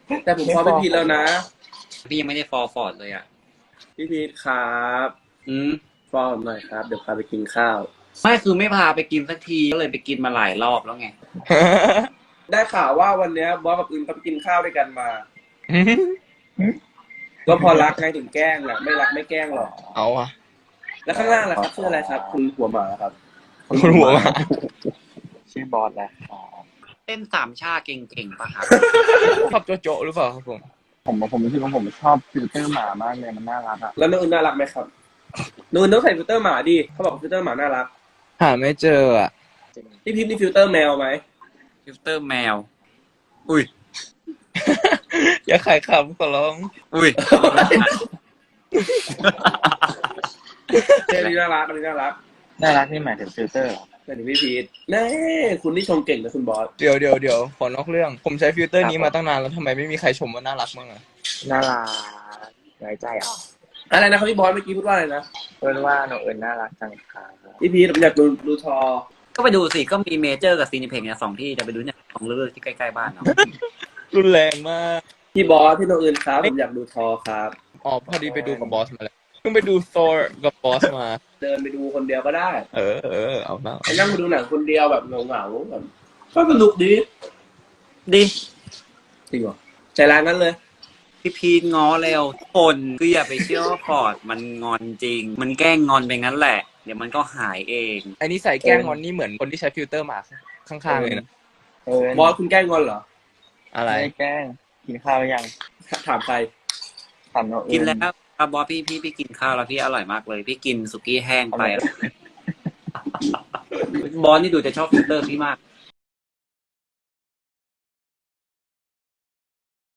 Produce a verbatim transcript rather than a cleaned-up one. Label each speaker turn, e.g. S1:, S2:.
S1: แต่ผมฟอลพี่พีทแล้วนะ
S2: พี่ยังไม่ได้ฟอร์ฟอร์ดเลยอ่ะ
S1: พี่พีทครับ
S2: อืม
S1: ฟอลหน่อยครับเดี๋ยวพาไปกินข้าว
S2: ไม่คือไม่พาไปกินสักทีก็เลยไปกินมาหลายรอบแล้วไง
S1: ได้ข่าวว่าวันนี้บอสกับอื่นเขาไปกินข้าวด้วยกันมาก็พอรักไงถึงแกล้งแหละไม่รักไม่แกล้งหรอก
S3: เอาอะ
S1: แล้วข้างล่างล่ะครับชื่ออะไรครับคุณหัวหมาครับ
S3: คุณหัวมา
S4: ชื่อบอสแหละ
S2: เต้นสามชาเก่งๆปะครับ
S3: ชอบโจโจหรือเปล่าครับผม
S4: ผมผมรู้สึกว่าผมชอบฟิลเตอร์หมามากเลยมันน่ารักอ่ะ
S1: แล้วน้องอื่นน่ารักไหมครับน้องอื่นต้องใส่ฟิลเตอร์หมาดิเขาบอกฟิลเตอร์หมาน่ารัก
S3: หาไม่เจออ่ะ
S1: พี่พิมพ์นี่ฟิลเตอร์แมวไหม
S2: ฟิลเตอร์แมวอุ้ย
S3: อย่าขายคำขอร้อง
S2: อุ้ย
S1: เจนี่น่ารักอันนี้น่ารัก
S4: น่ารักนี่หมายถึงฟิลเตอร์เหรอ
S1: แต่ถึงพี่พีทแน่คุณที่ชมเก่งนะคุณบอส
S3: เดี๋ยวเดี๋ยวเดี๋ยวขอนอกเรื่องผมใช้ฟิลเตอร์นี้มาตั้งนานแล้วทำไมไม่มีใครชมว่าน่ารักบ้างอ่ะ
S4: น่ารักไว้ใจอ่ะ
S1: อะไรนะครับพี่บอสเมื่อกี้พูดว่าอะไรนะ
S4: เอิญว่าน้องเอิญน่ารักจังค่ะ
S1: พี่พีทผมอยากดูดูทอ
S2: ก็ไปดูสิก็มีเมเจอร์กับซีนิเพกเนี่ยสองที่จะไปดูเนี่ยสองเรื่องที่ใกล้ๆบ้านเนาะ
S3: รุนแรงมาก
S1: พี่บอสพี่น้องอื่นครับผมอยากดูทอครับ
S3: อ๋อพอดีไปดูกับบอสมาแล้วเพิ่งไปดูโซร์กับบอสมา
S1: เดินไปดูคนเดียวก็ได้
S3: เออเออเอาแล้ว
S1: ไปนั่งไปดูหนังคนเดียวแบบเหงาๆแบบก็สนุกดี
S2: ดี
S1: จริงเหรอใจร้ายนั้นเลย
S2: พี่พีทง้อเร็วคนคืออย่าไปเชื่อว่าฟอร์ดมันงอนจริงมันแกล้งงอนไปงั้นแหละเดี๋ยวมันก็หายเอง
S3: อันนี้ใส่แกล้งงอนนี่เหมือนคนที่ใช้ฟิลเตอร์มาข้างๆเลยนะ
S4: เอิญ
S1: บอสคุณแกล้งงอนเหรอ
S3: อะไร
S4: ไม่แกล้งกินข้าวยัง
S1: ถามใคร
S4: ถามน้องเอิญ
S2: กินแล้วบอสพี่พี่พี่กินข้าวแล้วพี่อร่อยมากเลยพี่กินสุกี้แห้งไปบอสนี่ดูจะชอบฟิลเตอร์พี่มาก